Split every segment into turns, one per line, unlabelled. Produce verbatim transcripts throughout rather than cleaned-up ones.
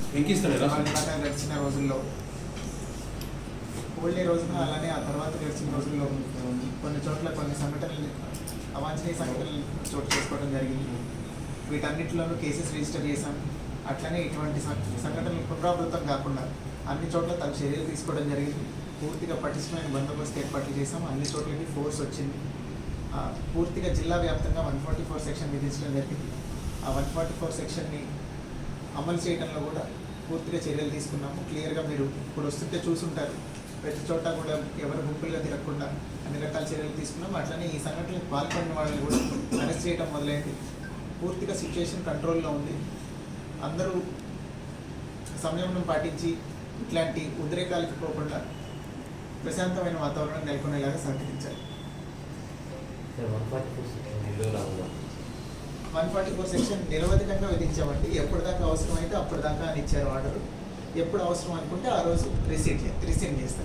గడిచిన రోజుల్లో హోల్డే రోజున అలానే ఆ తర్వాత గడిచిన రోజుల్లో కొన్ని చోట్ల కొన్ని సంఘటనలు అవాంఛనీయ సంఘటనలు చోటు చేసుకోవడం జరిగింది. వీటన్నిటిలోనూ కేసెస్ రిజిస్టర్ చేశాం. అట్లనే ఇటువంటి సంఘటనలు పునరావృతం కాకుండా అన్ని చోట్ల తగు చర్యలు తీసుకోవడం జరిగింది. పూర్తిగా పటిష్టమైన బందోబస్తు ఏర్పాట్లు చేశాం. అన్ని చోట్లకి ఫోర్స్ వచ్చింది. పూర్తిగా జిల్లా వ్యాప్తంగా వన్ ఫార్టీ ఫోర్ సెక్షన్ విధించడం జరిగింది. ఆ వన్ ఫార్టీ ఫోర్ సెక్షన్ని అమలు చేయడంలో కూడా పూర్తిగా చర్యలు తీసుకున్నాము. క్లియర్గా మీరు ఇప్పుడు వస్తుంటే చూసుంటారు. ప్రతి చోట కూడా ఎవరు గుంపులుగా తిరగకుండా అన్ని రకాల చర్యలు తీసుకున్నాం. అట్లనే ఈ సంఘటనలకు పాల్పడిన వాళ్ళని కూడా అరెస్ట్ చేయడం మొదలైంది. పూర్తిగా సిచ్యువేషన్ కంట్రోల్లో ఉంది. అందరూ సంయమనం పాటించి ఇట్లాంటి ఉద్రేకాలకు పోకుండా ప్రశాంతమైన వాతావరణం నెలకొనేలాగా సహకరించాలి. వన్ ఫార్టీ ఫోర్ సెక్షన్ నిరవధికంగా విధించామండి. ఎప్పటిదాకా అవసరమైతే అప్పటిదాకా అని ఇచ్చారు ఆర్డర్. ఎప్పుడు అవసరం అనుకుంటే ఆ రోజు రిసీట్ రిసీవ్ చేస్తారు.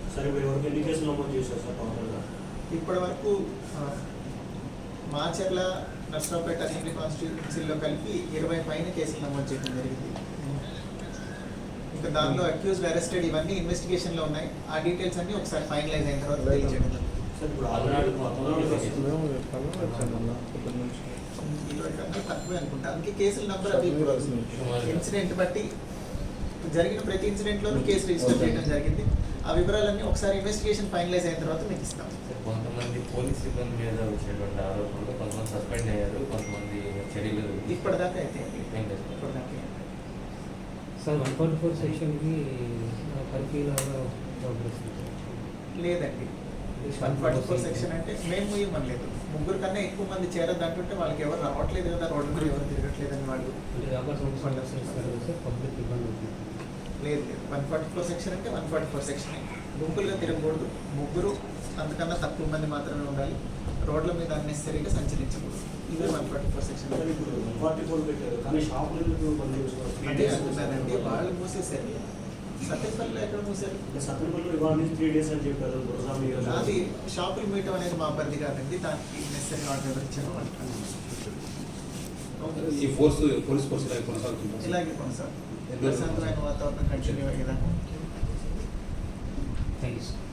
ఇప్పటి వరకు మాచర్ల, నర్సరావుపేట అసెంబ్లీ కాన్స్టిట్యూన్సీలో కలిపి ఇరవై పైన కేసులు నమోదు చేయడం జరిగింది. ఇంకా దానిలో అక్యూజ్డ్, అరెస్టెడ్ ఇవన్నీ ఇన్వెస్టిగేషన్లో ఉన్నాయి. ఆ డీటెయిల్స్ అన్ని ఒకసారి ఫైనలైజ్ అయిన తర్వాత తెలియజేయడం. ఇరవై కన్నా తక్కువే అనుకుంటా. అందుకే కేసుల నెంబర్ అవి ఇన్సిడెంట్ బట్టి జరిగిన ప్రతి ఇన్సిడెంట్లోనూ కేసు రిజిస్టర్ చేయడం జరిగింది. ఆ వివరాలన్నీ ఒకసారి ఇన్వెస్టిగేషన్ ఫైనలైజ్ అయిన తర్వాత మీకు ఇస్తాం.
కొంతమంది పోలీస్ సిబ్బంది మీద వచ్చేటువంటి ఆరోపణలు కొంతమంది సస్పెండ్ అయ్యారు, కొంతమంది చర్యలు
ఇప్పటిదాకా అయితే ఇప్పటిదాకా
సార్ వన్ ఫార్టీ ఫోర్ సెక్షన్కి
లేదండి. వన్ ఫార్టీ ఫోర్ సెక్షన్ అంటే మేము ఇవ్వలేదు. ముగ్గురు కన్నా ఎక్కువ మంది చేరద్దు అంటుంటే వాళ్ళకి ఎవరు రావట్లేదు కదా, రోడ్డు మీద ఎవరు తిరగట్లేదని వాళ్ళు
పబ్లిక్ ఇబ్బంది
లేదు. వన్ ఫార్టీ ఫోర్ సెక్షన్ అంటే వన్ ఫార్టీ ఫోర్ సెక్షన్ గుంపులుగా తిరగకూడదు. ముగ్గురు అంతకన్నా తక్కువ మంది మాత్రమే ఉండాలి. రోడ్ల మీద అన్నెసరీగా సంచరించకూడదు. ఇదే వన్ ఫార్టీ ఫోర్ సెక్షన్. అదే అంటున్నారండి, వాళ్ళు మూసేశారు. సత్యపల్లిలో ఎక్కడ మూసారు? అది షాపులు మీయటం అనేది మా పరిధి కాదండి. దానికి నెసరీ ఆర్డర్ ఎవరు ఇచ్చారో ఇలాగే కొనసాగుతుంది. ప్రశాంతమైన వాతావరణం కంటిన్యూ అయ్యేదాకా.
Thank you sir.